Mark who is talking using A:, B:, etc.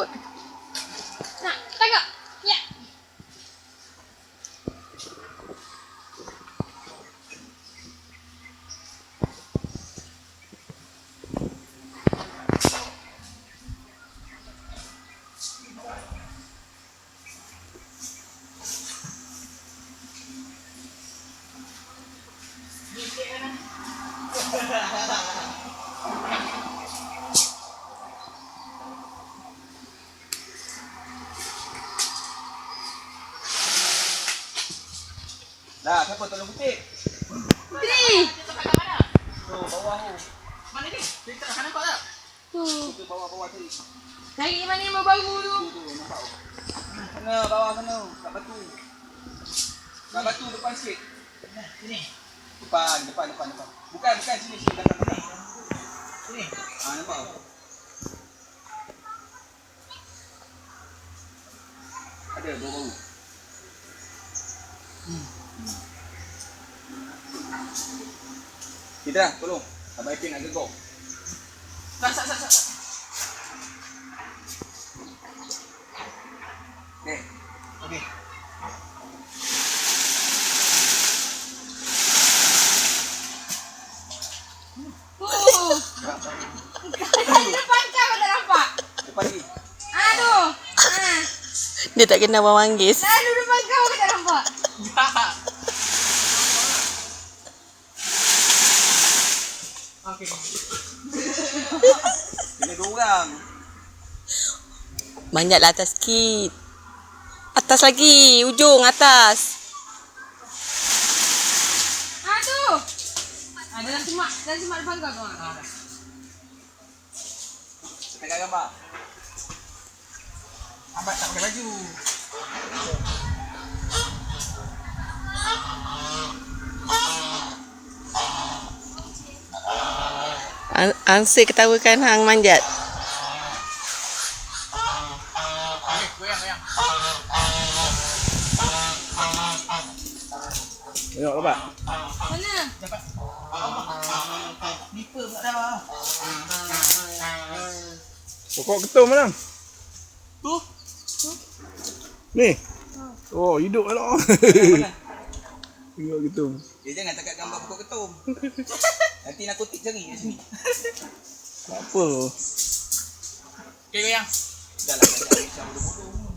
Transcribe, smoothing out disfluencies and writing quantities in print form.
A: Good. Nak, tangkap. Ya.
B: Dah, siapa tolong kutip?
A: Putri.
B: Tu, bawah tu.
C: Mana ni? Kita nak nampak tak?
B: Tu bawah tadi.
A: Cari mana yang berbau tu.
B: Tu, nampak tu. Sana, bawah sana. Kat batu. Kat batu depan sikit.
C: Sini.
B: Depan. Bukan sini belakang sana.
C: Sini.
B: Nampak tu. Ada bau. Kita dah, tolong. Abang Ipin nak gegok.
C: Sat.
B: Ni.
C: Okey.
A: Depan kau tak nampak.
B: Depan ni.
A: Aduh.
D: Dia tak kena Abang Manggis.
A: Lalu depan kau tak nampak.
C: Okey.
B: Kena 2 orang.
D: Manjatlah atas sikit. Atas lagi. Ujung atas.
A: Aduh. Dalam semak depan kau.
B: Pegang gambar.
C: Abang tak pakai baju.
D: Ansik ketawakan hang manjat.
C: Okey, goyang.
B: Tengok lepas.
A: Mana?
C: Dapat. Nipper pula dah.
E: Pokok ketum mana?
C: Tu.
E: Ni. Oh, hidup lah. Tengok ketum.
B: Dia jangan takat gambar pokok ketum. Nanti narkotik cari kat sini.
E: Tak apa.
C: Okey, goyang.
B: Dah lah, dah bodoh-bodoh.